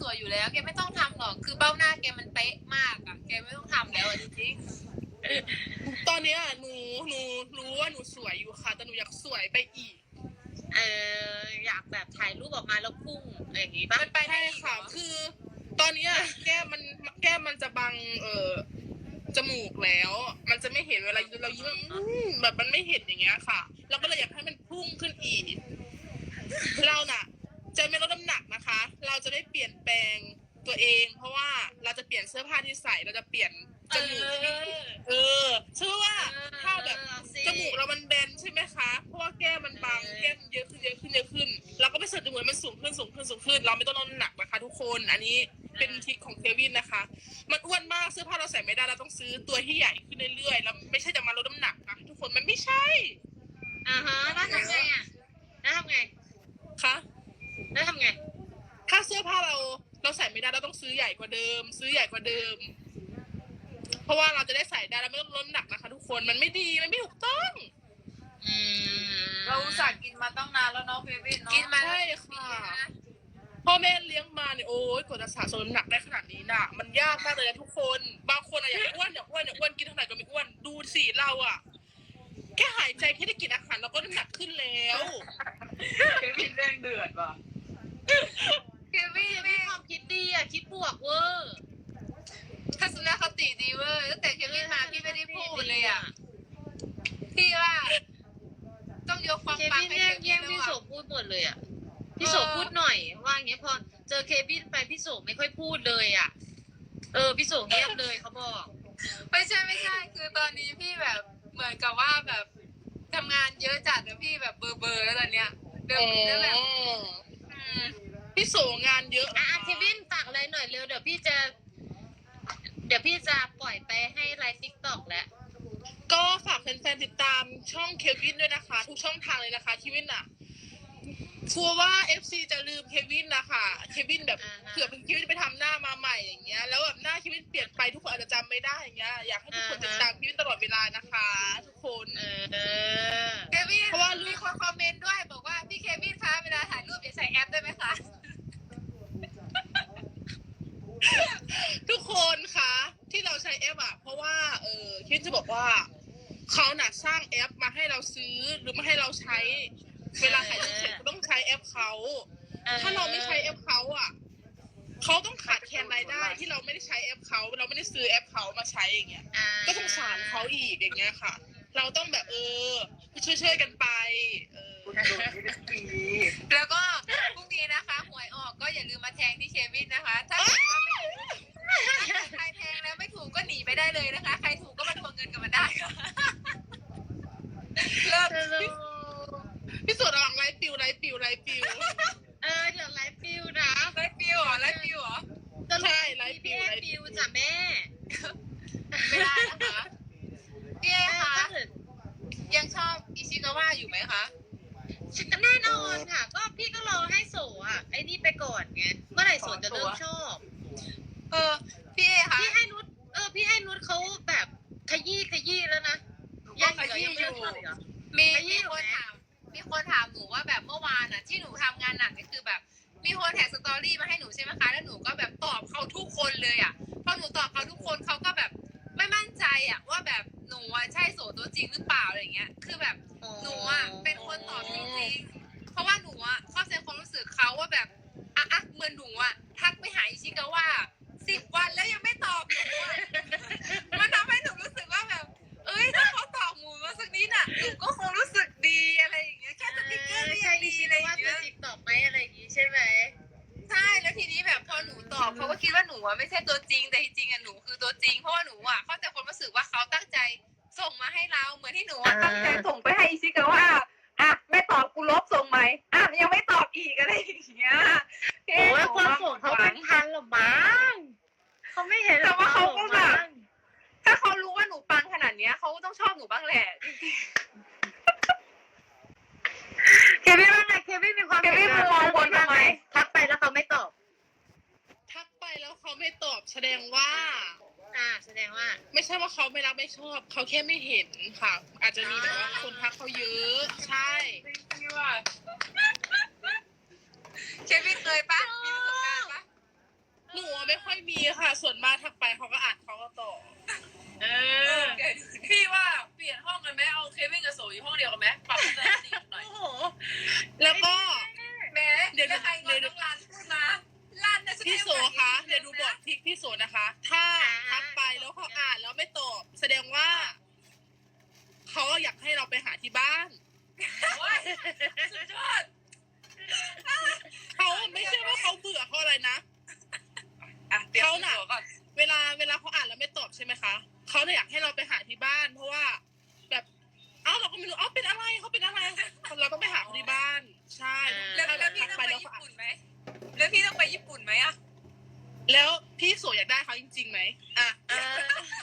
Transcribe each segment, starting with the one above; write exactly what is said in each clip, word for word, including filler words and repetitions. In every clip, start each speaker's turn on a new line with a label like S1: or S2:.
S1: วยอยู่แล้วแกไม่ต้องทำหรอกคือเบ้าหน้าแกมันเป๊ะมากอะแกไม่ต้องทำแล้วจริง
S2: ตอนนี้หนูหนูรู้ว่าหนูสวยอยู่ค่ะแต่หนูอยากสวยไปอีก
S3: เอออยากแบบถ่ายรูปออกมาแล้วพุ่งอย่างงี้ป่ะ
S2: มันไปได้ค่ะคือตอนนี้แก้มมันแก้มมันจะบังเออจมูกแล้ว มันจะไม่เห็นเวลาเรายิ้มแบบมันไม่เห็นอย่างเงี้ยค่ะเราก็เลยอยากให้มันพุ่งขึ้นอีกเราน่ะจะไม่ลดน้ำหนักนะคะ เราจะได้เปลี่ยนแปลงตัวเอง เพราะว่าเราจะเปลี่ยนเสื้อผ้าที่ใส่เราจะเปลี่ยนจมูกเออเชื่อว่าถ้าแบบจมูกเรามันแบนใช่ไหมคะเพราะว่าแก้มมันบางแก้มเยอะขึ้นเยอะขึ้นเยอะขึ้นเราก็ไปเสริมจมูกมันสูงขึ้นสูงขึ้นสูงขึ้นเราไม่ต้องลดน้ำหนักนะคะทุกคนอันนี้เป็นทริคของเควินนะคะมันอ้วนมากเสื้อผ้าเราใส่ไม่ได้เราต้องซื้อตัวที่ใหญ่ขึ้นเรื่อยๆแล้วไม่ใช่จะมาลดน้ำหนักนะทุกคนมันไม่ใช่
S3: อ่าฮะแล้วทำไงอ่ะแล้วทำไง
S2: คะ
S3: แล้วทำไง
S2: ถ้าเสื้อผ้าเราเราใส่ไม่ได้เราต้องซื้อใหญ่กว่าเดิม ซื้อใหญ่กว่าเดิมเพราะว่าเราจะได้ใส่ได้แล้วไม่ต้องลดน้ำหนักนะคะทุกคนมันไม่ดีมันไม่ถูกต้อง
S1: เราอุตส่าห์กินมาตั้งนานแล้วเนาะเควินเนาะกินมา
S2: ใช่ค่ะพ่อแม่เลี้ยงมาเนี่ยโอ้ยกว่าจะสะสมน้ำหนักได้ขนาดนี้น่ะมันยากมากเลยนะทุกคนบางคนอะอยากอ้วนอยากอ้วนอยากอ้วนกินเท่าไหร่ก็ไม่อ้วนดูสิเราอะแค่หายใจแค่ได้กินอาหารเราก็น้ำหนักขึ้นแล้ว
S1: เควินแรงเดือดว่ะเควิน
S3: มีความคิดดีอ่ะคิดบวกเวอร์
S1: ทัศนคติดีเวอร์ตั้งแต่เควินมาพี่ไม่ได้พูดเลยอ่ะพี่ว่าต้องยกความปังให้เควิน
S3: แย่งพี่โสพูดหมดเลยอ่ะพี่โสพูดหน่อยว่าอย่างเงี้ยพอเจอเควินไปพี่โสไม่ค่อยพูดเลยอ่ะเออพี่โสเงียบเลยเขาบอก
S1: ไม่ใช่ไม่ใช่คือตอนนี้พี่แบบเหมือนกับว่าแบบทำงานเยอะจัดแล้วพี่แบบเบอร์เบอร์แล้วตอนเนี้ยเดินแล้วแบบ
S2: พี่โสงานเยอะ
S3: อ่ะเควินฝากอะไรหน่อยเร็วเดี๋ยวพี่จะเดี๋ยวพี่จะปล่อยไปให้ไลฟ์ติ๊กต็อกแล้ว
S2: ก็ฝากแฟนๆติดตามช่องเควินด้วยนะคะทุกช่องทางเลยนะคะเควินอ่ะชัวร์ว่า เอฟ ซี จะลืมเควินนะคะเควินแบบเผื่อเป็นเควินไปทำหน้ามาใหม่อย่างเงี้ยแล้วแบบหน้าเควินเปลี่ยนไปทุกคนอาจจะจำไม่ได้อย่างเงี้ยอยากให้ทุกคนติดตามเควินตลอดเวลานะคะทุกคน
S1: เควินเพราะว่ามีคนคอมเมนต์ด้วยบอกว่าพี่เควินคะเวลาถ่ายรูปอย่าใส่แอปได้ไหมคะ
S2: ทุกคนคะที่เราใช้แอปอ่ะเพราะว่าเออเควินจะบอกว่าเขาหนักสร้างแอปมาให้เราซื้อหรือมาให้เราใช้เวลาถ่ายรูปเสร็จก็ต้องใช้แอปเขาถ้าเราไม่ใช้แอปเขาอ่ะเขาต้องขาดแคลนรายได้ที่เราไม่ได้ใช้แอปเขาเราไม่ได้ซื้อแอปเขามาใช้อย่างเงี้ยก็สงสารเขาอีกอย่างเงี้ยค่ะเราต้องแบบเออช่วยๆกันไปเออ
S1: แล้วก็พรุ่งนี้นะคะหวยออกก็อย่าลืมมาแทงที่เควินนะคะถ้าเกิดว่าไม่ใครแทงแล้วไม่ถูกก็หนีไปได้เลยนะคะใครถูกก็มาทวงเงินกันมาได้ค่ะ
S2: เลิศพี่สุดระวังไลฟ์ปิวไลฟ์ปิวไลฟ์ปิว
S3: เออเดี๋ยวไลฟ์ปิวนะ
S1: ไลฟ์ปิวเหรอไลฟ์ปิวเหรอ
S2: ใช่ไลฟ์ปิว
S3: ไลฟ์ปิวจ้ะแม่
S1: ไม่ได้นะคะพี่เอคะยังชอบอิชิกาวะอยู่ไหมคะ
S3: แน่นอนค่ะก็พี่ก็รอให้โสอ่ะไอ้นี่ไปก่อนไงเมื่อไหร่โสจะเริ่มชอบ
S1: เออพี่เอคะ
S3: พี่ให้นุชเออพี่ให้นุชเขาแบบขยี้ขยี้แล้วนะ
S1: ยังขยี้อยู่มีมีคนถามมีคนถามหนูว่าแบบเมื่อวานอ่ะที่หนูทำงานหนักนี่คือแบบมีคนแท็กสตอรี่มาให้หนูใช่ไหมคะแล้วหนูก็แบบตอบเขาทุกคนเลยอ่ะพอหนูตอบเขาทุกคนเขาก็แบบไม่มั่นใจอ่ะว่าแบบหนูอ่ะใช่โสตัวจริงหรือเปล่าอะไรเงี้ยคือแบบหนูอ่ะเป็นคนตอบจริงๆเพราะว่าหนูอ่ะเข้าใจความรู้สึกเขาว่าแบบอ่ะอ่ะเหมือนหนูอ่ะทักไปหาอิชิกาวะสิบวันแล้วยังไม่ตอบหนูอ่ะมันทำให้หนูรู้สึกว่าแบบเอ้ยถ้าเขาตอบหมูมาสักนิดน่ะหนูก็คงรู้สึกดีอะไรอย่างเงี้ยแค่สติ๊กเกอร์ก็ยังดีอะไรอย่างเงี้ย
S3: ติดตอบไหมอะไรอย่างงี้ใช่ไหม
S1: ใช่แล้วทีนี้แบบพอหนูตอบเขาก็คิดว่าหนูอ่ะไม่ใช่ตัวจริงแต่จริงๆอ่ะหนูคือตัวจริงเพราะว่าหนูอ่ะเข้าใจความรู้สึกว่าเขาตั้งใจส่งมาให้เราเหมือนที่หนูอ่ะตั้งใจส่งไปให้อิชิกาวะอ่ะไม่ตอบกูลบส่งไหมอ่ะยังไม่ตอบอีกอะไรอย่างเงี้ย
S3: โอ้ยความส่งเขาเป็นพันหรอมั้งเขาไม่เห็น
S1: แต่ว่าเขาก็แบบถ้าเขารู้ว่าหนูปังขนาดเนี้ยเขาต้องชอบหนูบ้างแหละ
S3: เควินว่าไงเควินมีความ
S1: เควินมองบนทำไม
S3: ทักไปแล้วเขาไม่ตอบ
S2: ทักไปแล้วเขาไม่ตอบแสดงว่า
S3: อ่าแสดงว่า
S2: ไม่ใช่ว่าเขาไม่รักไม่ชอบเขาแค่ไม่เห็นค่ะอาจจะมีแบบว่าคนทักเขาเยอะใช่
S1: เควินเคยปะมีประสบการณ์ปะ
S2: ไม่มีค่ะส่วนมากทักไปเขาก็อ่านเขาก็ตอบ
S3: เออ
S4: พี่ว่าเปลี่ยนห้องกันไหมเอาเควินกับโซอยู่ห้องเดียวกันไหมปรับสถานที่หน่อย
S2: โอ้โหแล้วก็
S4: แหม่เดี๋ยวใครงอนน้องรันพูดมารันนะ
S2: พี่โสคะเดี๋ยวดูบททิกพี่โสนะคะ ถ้าทักไปแล้วเขาอ่านแล้วไม่ตอบแสดงว่าเขาอยากให้เราไปหาที่บ้าน
S4: โอ้ยสุดยอด
S2: เขาไม่ใช่ว่าเขาเบื่อเขาอะไรนะ
S4: อ่ะเดี๋ยวหนาก่อน
S2: เวลาเวลาเขาอ่านแล้วไม่ตอบใช่ไหมคะเขาเลยอยากให้เราไปหาที่บ้าน เพราะว่า แบบเอ้าเราก็ไม่รู้เอ้าเป็นอะไรเขาเป็นอะไรเราต้องไปหาเขาที่บ้าน ใช่
S4: แล้วแล้วพี่ต้องไปญี่ปุ่นไหมแล้วพี่ต้องไปญี่ปุ่นไหมอะ
S2: แล้วพี่โสอยากได้เขาจริงๆไหมอ่ะ
S3: เออ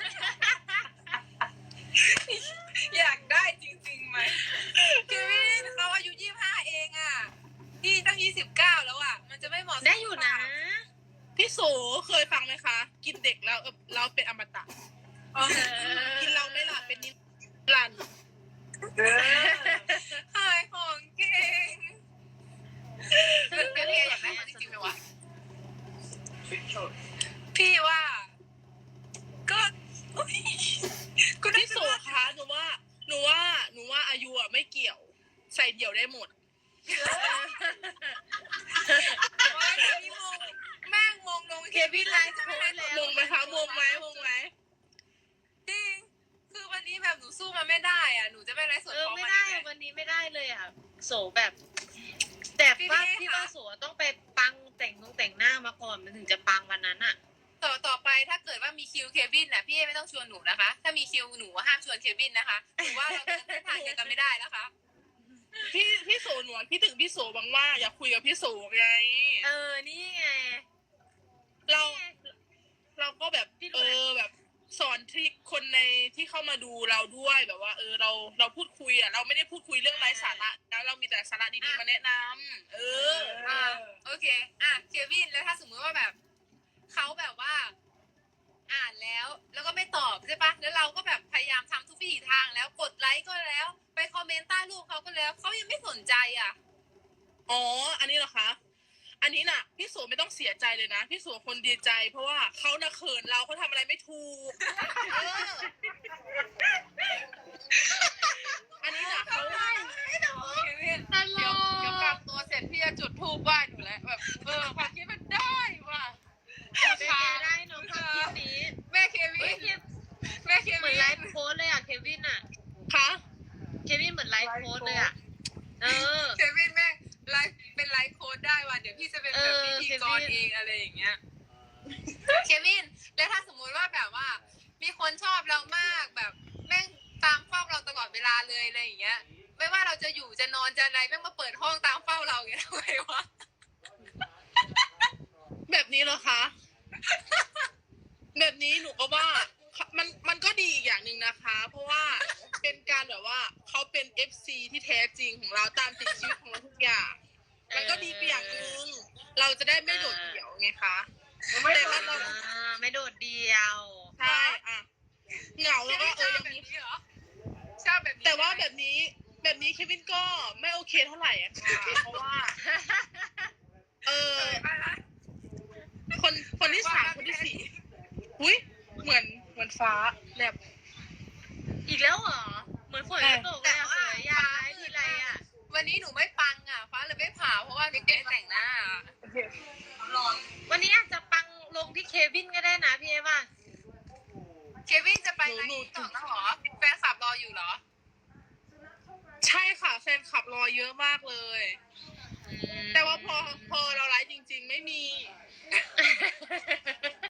S4: อยากได้จริงๆไหมเควินเขาอายุยี่สิบห้าเองอะพี่ตั้งยี่สิบเก้าแล้วอะมันจะไม่เหมาะสม
S3: ได้อยู่นะ
S2: พี่โสเคยฟังไหมคะ กินเด็กแล้วเออเราเป็นอมตะ
S4: อ๋อ
S2: กินเราไม่หลับเป็นนิรันดร์
S4: ขายของเก่ง
S1: แล้วเรียอยากได้เขาจริงๆไหมวะ
S4: พี่ว่า ก็อุ๊ยก็ได้
S2: พี่โสคะหนูว่าหนูว่าหนูว่าอายุอ่ะไม่เกี่ยว ใส่เดี่ยวได้หมด
S4: โอ๊ยอันนี้มงแม่งมงลง
S3: เควินไลฟ์โค้ดแล้ว
S2: มงไหมคะมงไหมมงไหม
S4: จริง คือวันนี้แบบหนูสู้มันไม่ได้อ่ะ หนูจะไม่ไลฟ์สด
S3: เออ
S4: พร้อม
S3: ไม่
S4: มัน
S3: ได้
S4: อีกไหม
S3: วันนี้ไม่ได้เลยอ่ะโสแบบ แต่ว่า
S4: พี่
S3: พี่
S4: คะ
S3: ว่าโสต้องไปปังแต่งนงแต่งหน้ามาก่อนมันถึงจะปังวันนั้นอ่ะ
S4: ต่อต่อไปถ้าเกิดว่ามีคิวเควินน่ะพี่ไม่ต้องชวนหนูนะคะ ถ้ามีคิวหนูห้ามชวนเควินนะคะหนูว่าเราเดินเส้นทางเดียวกันไม่ได้นะคะ
S2: พี่พี่โสหนูพี่ถึงพี่โสบังว่าอยากคุยกับพี่โสไง
S3: เออนี่ไง
S2: เราเราก็แบบเออแบบสอนทริคคนในที่เข้ามาดูเราด้วยแบบว่า เออเราเราพูดคุยอ่ะเราไม่ได้พูดคุยเรื่องไร้สาระนะเรามีแต่สาระดีๆมาแนะนำเออ
S4: อ่าโอเค อ่ะเควินแล้วถ้าสมมติว่าแบบเขาแบบว่า อ่านแล้วแล้วก็ไม่ตอบใช่ปะแล้วเราก็แบบพยายามทำทุกวิถีทางแล้วกดไลค์ก็แล้ว ไปคอมเมนต์ใต้รูปเขาก็แล้วเขายังไม่สนใจอ่ะ
S2: อ๋ออันนี้เหรอคะอันนี้น่ะพี่โสไม่ต้องเสียใจเลยนะพี่โสคนดีใจ เพราะว่าเขาน่ะเขินเราเขาทำอะไรไม่ถูกเอออันนี้น่ะเขา
S4: เควิน
S3: ตล
S1: เดี๋ยว
S3: ก
S1: เดี๋ยวกลับตัวเสร็จพี่จะจุดธูปไหว้หนูแล้วแบบเออความคิดมันได้ว่ะ
S3: เป็นไงได้เน้องความคิดนี้
S4: แม่เควิ
S3: เฮ้ย
S4: น
S3: เค
S4: แม่เค
S3: เหมื
S4: วิ
S3: อน
S4: น
S3: ไลฟ์โค้ดเลยอ่ะเควินอ่ะ
S2: คะ
S3: เควินเหมือนไลฟ์โค้ดเลยอ่ะ เออ
S4: เควินแม่งไลฟ์เป็นไลฟ์โค้ดได้ว่ะเดี๋ยวพี่จะเป็นแบบ
S3: เออ
S4: พิธีกร
S3: เควิน
S4: เองอะไรอย่างเงี้ย
S1: เควิน แล้วถ้าสมมุติว่าแบบว่า มีคนชอบเรามากแบบแม่งตามเฝ้าเราตลอดเวลาเลยอะไรอย่างเงี้ย ไม่ว่าเราจะอยู่จะนอนจะอะไรแม่งมาเปิดห้องตามเฝ้าเราอย่างเงี้ยทำไมวะ
S2: แบบนี้เหรอคะ แบบนี้หนูก็ว่ามันมันก็ดีอีกอย่างหนึ่งนะคะ เพราะว่าเป็นการแบบว่าเขาเป็น เอฟ ซี ที่แท้จริงของเราตามติดชีวิตของเราทุกอย่าง มันก็ดีไปอย่างหนึ่งเราจะได้ไม่โดดเดี่ยวไงคะแต่ว่าเรา
S3: อ่าไม่โดดเดียว
S2: ใช่อะเหงาแล้วก็เออยัง
S4: แบบ
S2: มี
S4: นี้เหรอชอบแบบนี้
S2: แต่ว่าแบบนี้แบบนี้เควินก็ไม่โอเคเท่าไหร่อะค่ะเพราะว่า เออ คนคนที่สามคนที่สี่อุ้ยเหมือนเหมือนฟ้าแลบ
S3: อีกแล้วเหรอ เหมือนฝนจะตกเลยอ่ะสวยยายทีไรอ่ะ
S4: วันนี้หนูไม่ปังอ่ะฟ้าเลยไม่ผ่าเพราะว่าหนูไม่ได้แต่งหน้าร้อน
S3: วันนี้อาจจะปังลงที่เควินก็ได้นะพี่เอว่า
S4: เควินจะไปไลฟ์ต่อแล้วเหรอแฟนคลับรออยู่เหรอ
S2: ใช่ค่ะแฟนคลับรอเยอะมากเลย
S4: อ